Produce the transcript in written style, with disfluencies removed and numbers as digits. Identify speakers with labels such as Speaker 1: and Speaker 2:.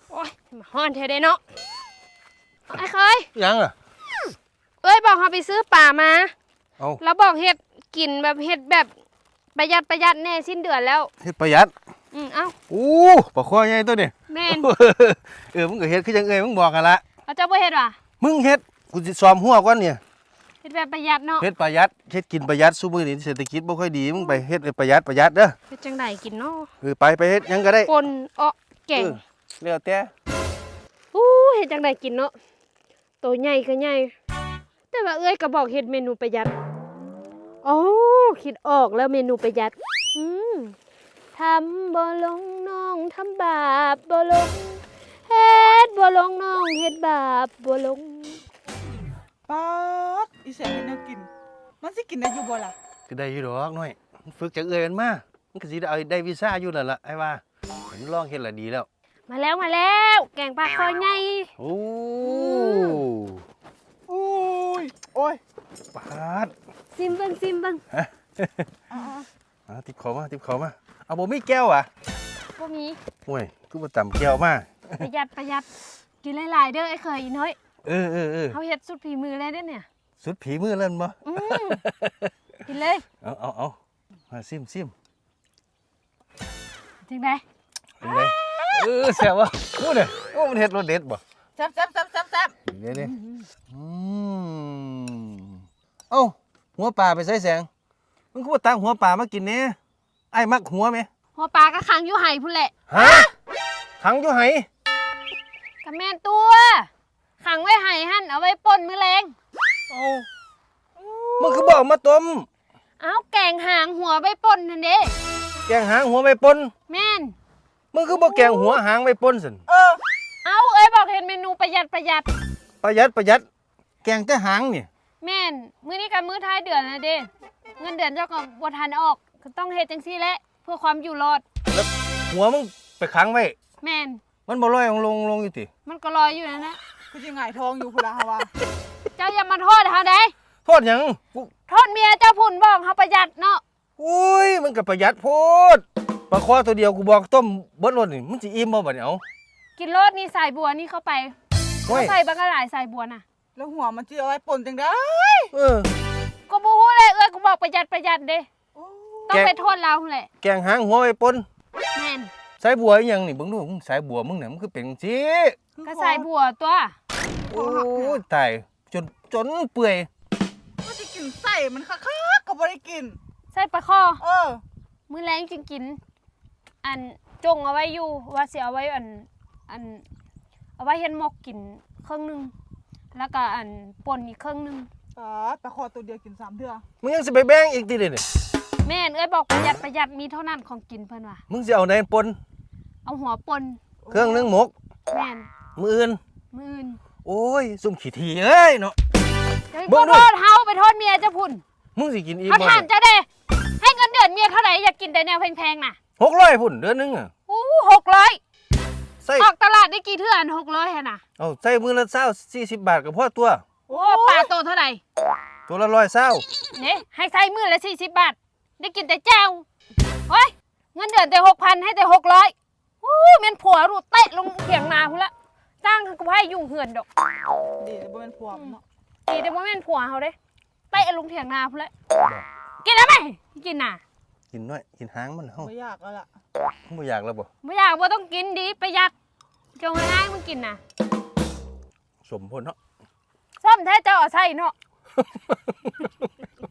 Speaker 1: โอ้ยมาฮ้อนเทเด้เนาะไอ้เคย
Speaker 2: ยังอ่ะ
Speaker 1: เอ้ยบอกเขาไปซื้อป่ามา
Speaker 2: เอา
Speaker 1: แล้วบอกเฮ็ดกินแบบเฮ็ดแบบประหยัดแน่สิ้นเดือนแล้ว
Speaker 2: เฮ็ดประหยัด
Speaker 1: เอ้า
Speaker 2: อู้ปลาคอใหญ่ตัวนี้
Speaker 1: แม่น
Speaker 2: มึงก็เฮ็ดคือจังมึงบอกกันละ
Speaker 1: เอาเจ้าบ่เฮ็ดว่ะ
Speaker 2: มึงเฮ็ดกูสิซ้อมหัวก่อนเนี่ย
Speaker 1: เฮ็ดแบบประหยัดเนาะ
Speaker 2: เฮ็ดประหยัดเฮ็ดกินประหยัดซุมื้อนี้เศรษฐกิจบ่ค่อยดีมึงไปเฮ็ดประหยัดเด้อ
Speaker 1: เฮ็ดจังได๋กินเนาะ
Speaker 2: ไปเฮ็ดหยังก็ได้
Speaker 1: ปนแกง
Speaker 2: แล้วแต่
Speaker 1: เฮ็ดจังได๋กินเนาะตัวใหญ่ก็ใหญ่แต่ว่าเอ้ยก็บอกเฮ็ดเมนูประหยัดอ๋อคิดออกแล้วเมนูประหยัดทำบ่ลงน้องทำบาปบ่ลงเฮ็ดบ่ลงน้องเฮ็ดบาปบ่ลง
Speaker 3: ป๊าดอีแสงเฮ็ดแนวกินมันสิกินได้อยู่บ่ล่ะ
Speaker 2: ก็ได้อยู่ดอกน้อยมันฝึกจากมันมามันก็สิได้วีซ่าอยู่นั่นล่ะไอ้ว่าเห็นลองเฮ็ดละดีแล้ว
Speaker 1: มาแล้วแกงปลาคอใหญ่
Speaker 2: โอ้
Speaker 3: ย
Speaker 2: ปาด
Speaker 1: ซิมเบิ่ง
Speaker 2: ติบเขามาเอาบ่มีแก้วอ่ะ
Speaker 1: บ่มี
Speaker 2: โอ้ยกูบ่ตำแก้วมา
Speaker 1: ประหยัดกินหลายๆเด้อไอ้เคยอีน้อยเขาเฮ็ดสุดฝีมือเลยเด้อเนี่ย
Speaker 2: สุดฝีมือเล่นบ่
Speaker 1: กินเลย
Speaker 2: เอามาซิม
Speaker 1: จังได๋
Speaker 2: แซ่บวะพูดเลยมันเฮ็ดรสเด็ดบ่
Speaker 3: แซ่บ
Speaker 2: เดี๋ยวเอ้าหัวปลาไปใส่แสงมึงก็บ่ตักหัวปลามากินแน่ไอ้มักหัวไหม
Speaker 1: หัวปลาก็ขังอยู่ไห่พุ่นแหละ
Speaker 2: ฮะขังอยู่ไห่
Speaker 1: ก็แม่นตัวขังไว้ไห่หั่นเอาไว้ป่นมื้อแลง
Speaker 2: มึงคือบอกมาต้ม
Speaker 1: แกงหางหัวไว้ป่นนั่นเด้
Speaker 2: แกงหางหัวไปปน
Speaker 1: แม่น
Speaker 2: มึงคือบอกแกงหัวหางไปปนสิ
Speaker 1: เอ้ยบอกเห็นเมนูประหยัด
Speaker 2: แกงแต่หางนี่
Speaker 1: แม่นมื้อนี้กับมื้อท้ายเดือนนะเด้เงินเดือนเจ้าก็บ่ทันออกก็ต้องเฮ็ดจังซี่แหละเพื่อความอยู่รอด
Speaker 2: แล้วหัวมึงไปขังไว้
Speaker 1: แม่น
Speaker 2: มันบ่ลอยลงอยู่ติ
Speaker 1: มันก็ลอยอยู่นั่นนะ
Speaker 3: คือสิหงายท้องอยู่พุ่นล่ะฮะว่า
Speaker 1: เจ้าอย่ามาโทษเฮาได้
Speaker 2: โทษหยัง
Speaker 1: โทษเมียเจ้าพุ่นบอกเฮาประหยัดเนาะ
Speaker 2: อุ้ยมันก็ประหยัดโพดปลาคอตัวเดียวกูบอกต้มเบิดรสนี่มันสิอิ่มบ่บัดนี้เอา
Speaker 1: กินรสนี่ใส่บัวนี่เข้าไปใส่บักหลายใส่บัวน่ะ
Speaker 3: แล้วหัวมันสิเอาไว้ป่นจังได๋
Speaker 1: ก็บ่ฮู้เลยกูบอกประหยัดเด้ต้องไปโทษเราแหละ
Speaker 2: แกงหางหัวไปปน
Speaker 1: แม่น
Speaker 2: ใส่บัวอีหยังนี่เบิ่งดูมึงใส่บัวมึงเนี่ยมันคือเป็นจังซี่
Speaker 1: ก็ใส่บัวตัว
Speaker 2: โอ้ยตายจนเปื่อย
Speaker 3: ก็สิกินไส้มันคักๆก็บ่ได้กิน
Speaker 1: ใส่ปลาคอมื้อแลงจึงกินอันจงเอาไว้อยู่ว่าสิเอาไว้อันเอาไว้เฮ็ดหมกกินครึ่งนึงแล้วก็อันป่นอีกครึ่งนึง
Speaker 3: ปลาคอตัวเดียวกิน3เทื่อ
Speaker 2: มึงยังสิไปแบ่งอีกติเด้นี่
Speaker 1: แม่นบอกประหยัดมีเท่านั้นของกินเพิ่นว่า
Speaker 2: มึงสิเอาไหนปน
Speaker 1: เอาหัวป่น
Speaker 2: เครื่องนึงหมก
Speaker 1: แม่น
Speaker 2: มื้ออื่นโอ้ยซุ่มขี้ทีเอ้ยเนาะ
Speaker 1: บ่โทษเฮาไปโทษเมียเจ้าพุ่น
Speaker 2: มึงสิกินอีก
Speaker 1: บ่ถามเจ้าเด้ให้เงินเดือนเมียเท่าไหร่อยากกินแต่แนวแพงๆน่ะ
Speaker 2: 600พุ่นเดือนนึงอ่ะ
Speaker 1: 600ออกตลาดได้กี่เทื่ออัน600หั่นน่ะ
Speaker 2: ใส่มื้อละ20 40 บาทก็พอตัว
Speaker 1: ปลาโตเท่าไหร่
Speaker 2: ตัวละ120
Speaker 1: นี่ให้ใส่มื้อละ40 บาทได้กินแต่แจ่วโอ้ยเงินเดือนแต่ 6,000 ให้แต่600แม่นผัวรู้เตะลงเถียงนาพุ่นละจ้างกูให้ยุ่งเหือนดอก
Speaker 3: ดีแต่บ่แม่นผัวเนาะ
Speaker 1: ดีแต่บ่แม่นผัวเฮาเด้เตะลงเถียงนาพุ่นละกินได้มั้ยกินน่ะ
Speaker 2: กินน้อยกินหางมันเฮา
Speaker 3: บ่อยากแล้วล่ะ
Speaker 2: บ่อยากแล้วบ่
Speaker 1: ต้องกินดีประหยัดจงให้มึงกินน่ะ
Speaker 2: สมพุ่นเนาะ
Speaker 1: ส้มแท้เจ้าเอาใส่เนาะ